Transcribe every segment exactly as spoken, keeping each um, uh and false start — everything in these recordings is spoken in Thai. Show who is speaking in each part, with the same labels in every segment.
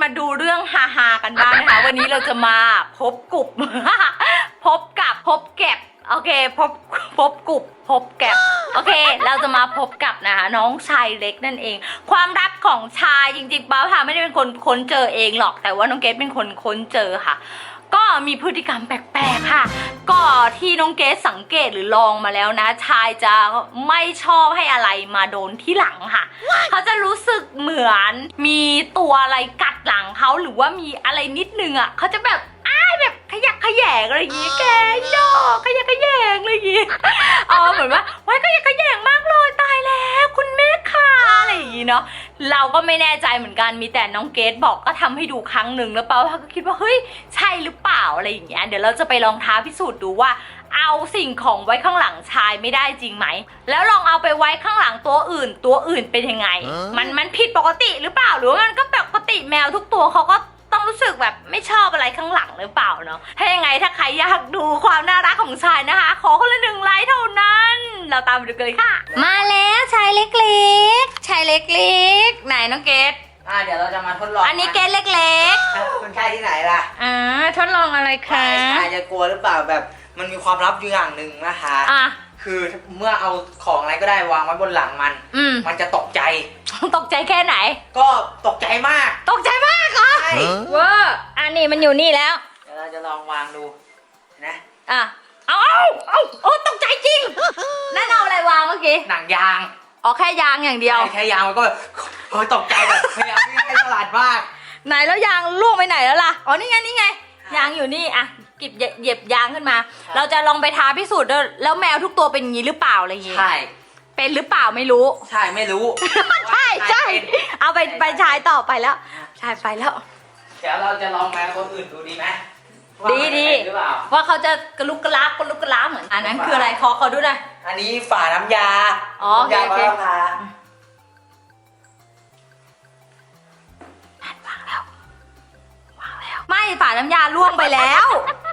Speaker 1: มาดูเรื่องฮาๆกันบ้างนะคะวันนี้เราจะมาพบกลุ่ม พบกับพบแก็บโอเคพบพบกลุ่มพบแก็บโอเคเราจะมาพบกับนะคะน้องชายเล็กนั่นเองความรักของชายจริงๆป้าค่ะไม่ได้เป็นคนค้นเจอเองหรอกแต่ว่าน้องเกดเป็นคนค้นเจอค่ะก็มีพฤติกรรมแปลกๆค่ะก็ที่น้องเกดสังเกตหรือลองมาแล้วนะชายจะไม่ชอบให้อะไรมาโดนที่หลังค่ะเขาจะรู้สึกเหมือนมีตัวอะไรกัดหลังเขาหรือว่ามีอะไรนิดนึงอ่ะเขาจะแบบอ้ายแบบขยักขยแยงอะไรอย่างงี้แกดอกขยักขยแยงอะไรอย่างงี้เออเหมือนว่าไว้ขยักขยแยงมากเลยตายแล้วคุณแม่ค่ะอะไรอย่างงี้เนาะเราก็ไม่แน่ใจเหมือนกันมีแต่น้องเกดบอกก็ทำให้ดูครั้งหนึ่งแล้วเปาก็คิดว่าเฮ้ยใช่หรือเปล่าอะไรอย่างเงี้ยเดี๋ยวเราจะไปลองท้าพิสูจน์ดูว่าเอาสิ่งของไว้ข้างหลังชายไม่ได้จริงไหมแล้วลองเอาไปไว้ข้างหลังตัวอื่นตัวอื่นเป็นยังไงมันมันผิดปกติหรือเปล่าหรือว่ามันก็ปกติแมวทุกตัวเขาก็ต้องรู้สึกแบบไม่ชอบอะไรข้างหลังหรือเปล่าเนาะถ้ายังไงถ้าใครอยากดูความน่ารักของชายนะคะขอคนละหนึ่งไลค์เท่านั้นเราตามไปดูกันเลยค่ะมาแล้วชายเล็กๆชายเล็กๆไหนน้องเกด
Speaker 2: อ่าเดี๋ยวเราจะมาทดลอง
Speaker 1: อันนี้เกดเล็ก
Speaker 2: ๆคุณชายที่ไหนล่ะ
Speaker 1: อ่าทดลองอะไรคะ
Speaker 2: ชายจะกลัวหรือเปล่าแบบมันมีความลับอยู่อย่างหนึ่งนะคะ
Speaker 1: อ่ะ
Speaker 2: คือเมื่อเอาของอะไรก็ได้วางไว้บนหลังมัน
Speaker 1: อืม
Speaker 2: มันจะตกใจ
Speaker 1: ตกใจแค่ไหน
Speaker 2: ก็ตกใจมาก
Speaker 1: ตกใจมากเหรอ
Speaker 2: ใช่
Speaker 1: เว้ออันนี้มันอยู่นี่แล้ว
Speaker 2: เดี๋ยวเราจะลองวางดูนะ
Speaker 1: อ่ะเอาเอาเอาโอ้ตกใจจริงนั่นเอาอะไรวางเมื่อกี้
Speaker 2: หนังยาง
Speaker 1: อ๋อแค่ยางอย่างเดียว
Speaker 2: แค่ยางมันก็แบบเฮ้ยตกใจแบบพยายามไม่ให้ฉลาดมาก
Speaker 1: ไหนแล้วยางล่วงไปไหนแล้วล่ะอ๋อนี่ไงนี่ไงยางอยู่นี่อ่ะกิบเหยียบยางขึ้นมาเราจะลองไปท้าพิสูจน์ด้วยแล้วแมวทุกตัวเป็นอย่างนี้หรือเปล่าอะไรอย่างงี้
Speaker 2: ใช่
Speaker 1: เป็นหรือเปล่าไม่รู้
Speaker 2: ใช่ไม่รู้
Speaker 1: ใช่ใช่เอาไปไปชายต่อไปแล้วชายไปแล้ว
Speaker 2: เดี๋ยวเราจะลองแมวตัวอื่นดูดีไหม
Speaker 1: ดีดีว่าเขาจะกระลุกกระลาบกระลุกกระลาบเหมือนอันนั้นคืออะไรขอเขาดูหน่อย
Speaker 2: อันนี้ฝาน้ำยา
Speaker 1: อ๋อโอเคโอเควางแล้ววางแล้วไม่ฝาน้ำยาล่วงไปแล้ว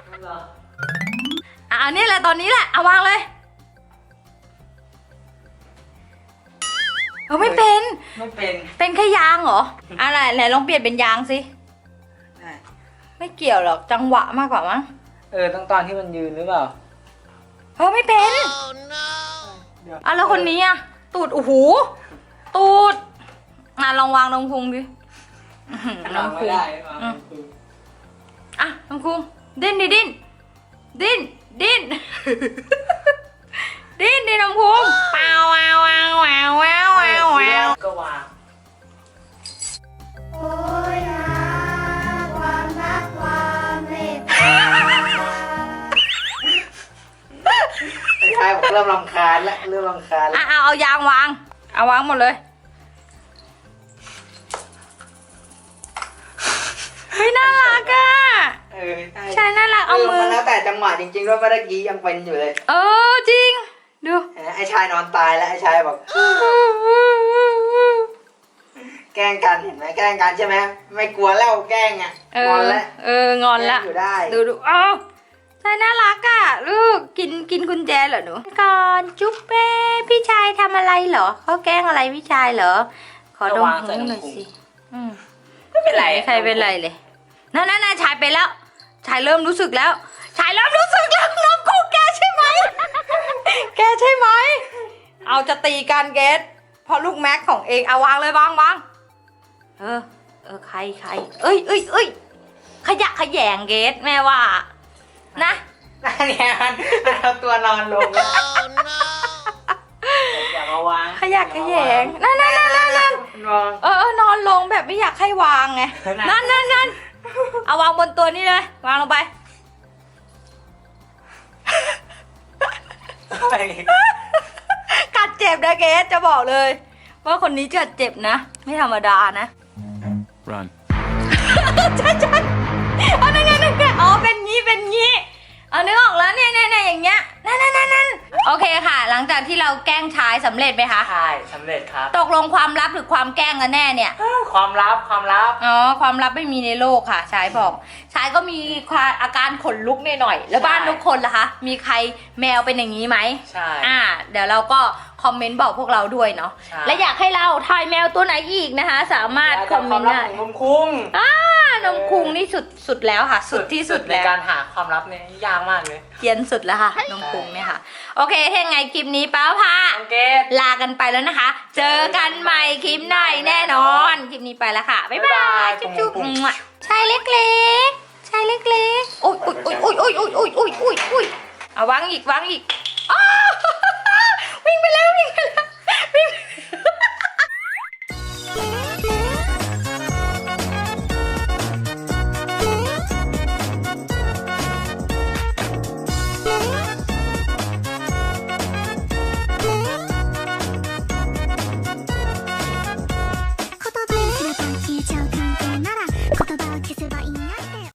Speaker 1: อ่ะอันนี้แหละตอนนี้แหละเอาวางเลยเออไม่เป็น
Speaker 2: ไม่เป็น
Speaker 1: เป็นแค่ยางเหรออะไรไหนลองเปลี่ยนเป็นยางสิไม่เกี่ยวหรอกจังหวะมากกว่ามั้ง
Speaker 2: เออต้องตอนที่มันยืนหรือเปล่า
Speaker 1: เออไม่เป็นอ่ะแล้วคนนี้อ่ะตูดโอ้โหตูดอ่ะลองวางลงพุงดิลองพุงอ่ะลองพุงดิ้นดิดิ้นดิ้นดิ้นดิ้นดิลองพุงเปล่าว้าวว้าวว้าวว้าวว้าว
Speaker 2: ก็วาง
Speaker 3: โอ้ยนะความรักความเมตตา
Speaker 2: ไอ้ชายบอกเริ่มรำคาญแล้วเริ่มรำคาญแล้ว
Speaker 1: อ่ะเอาเอายางวางเอาวางหมดเลยเฮ้ยน่ารักอ่ะ
Speaker 2: เออ
Speaker 1: ใช่น่ารักเอามือ
Speaker 2: มันแล้วแต่จังหวะจริงๆด้วยเมื่อกี้ยังเป็นอยู่เลย
Speaker 1: เออจริงดู
Speaker 2: ไอ้ชายนอนตายแล้วไอ้ชายบอกแกล้งกันเห็นไหมแกล้งกันใช่ไหมไม่กลัวแล้วแกล้งอ่ะงอนแล้ว
Speaker 1: เอองอนแล้ว
Speaker 2: อยู่ได้
Speaker 1: ดูดูอ้าวใช่น่ารักอ่ะลูกกินกินกุญแจเหรอหนูก่อนจุ๊บเป้พี่ชายทำอะไรเหรอเขาแกล้งอะไรพี่ชายเหรอขอดมหูหน่อยสิ
Speaker 2: ไม่เป็นไร
Speaker 1: ใครเป็นไรเลยนั่นนั่นชายไปแล้วชายเริ่มรู้สึกแล้วชายเริ่มรู้สึกแล้วน้องกูแกใช่ไหมแกใช่ไหมเอาจะตีกันเกสพอลูกแม็กของเองเอาวางเลยวางวางเออเออใครใครเอ้ยเอ้ยเอ้ยขยะขยงเกสแม่ว่านะ
Speaker 2: นั่นไงมันเอาตัวนอนลงอย่ามาวาง
Speaker 1: ขยะขยงนั่นนั่นนั่นนั่นเออเออนอนลงแบบไม่อยากให้วางไงนั่นนั่นนั่นเอาวางบนตัวนี้เลยวางลงไปกัดเจ็บนะเกสจะบอกเลยว่าคนนี้จะเจ็บนะไม่ธรรมดานะ
Speaker 4: Run
Speaker 1: ใช่ใช่เอานั่นนั่นนั่นอ๋อเป็นงี้เป็นงี้เอานึกออกแล้วเนี่ยเนี่ยอย่างเงี้ยนั่นนั่นนั่นโอเคค่ะหลังจากที่เราแกล้งชายสำเร็จไหมคะ
Speaker 2: ใช่สำเร็จครับ
Speaker 1: ตกลงความลับหรือความแกล้งกันแน่เนี่ย
Speaker 2: ความลับความลับ
Speaker 1: อ๋อความลับไม่มีในโลกค่ะชายบอกชายก็มีอาการขนลุกหน่อยๆแล้วบ้านทุกคนล่ะคะมีใครแมวเป็นอย่างนี้ไหม
Speaker 2: ใช่
Speaker 1: อ่าเดี๋ยวเราก็คอมเมนต์บอกพวกเราด้วยเนาะ
Speaker 2: ใช่
Speaker 1: และอยากให้เราถ่ายแมวตัวไหนอีกนะคะ สามารถคอมเมนต์ได้
Speaker 2: ของนมคุ้ง
Speaker 1: อ่านมคุงนี่สุดสุดแล้วค่ะ สุดที่สุด
Speaker 2: ใน
Speaker 1: แล้ว
Speaker 2: การหาความลับเนี่ยยากมากเลย
Speaker 1: เกรียนสุดแล้วค่ะนมคุงเนี่ยค่ะ โอเคถ้ายังไงคลิปนี้ป้าพา
Speaker 2: โอเค
Speaker 1: ลากันไปแล้วนะคะ เจอกันใหม่คลิปหน้าแน่นอนคลิปนี้ไปแล้วค่ะบ๊ายบายจุ๊บจุ๊บชายเล็กๆชายเล็กๆโอ้ยโอ้ยโอ้ยโอ้ยโอ้ยโอ้ยโอ้ยโอ้ยโอ้ยเอาวางอีกวางอีก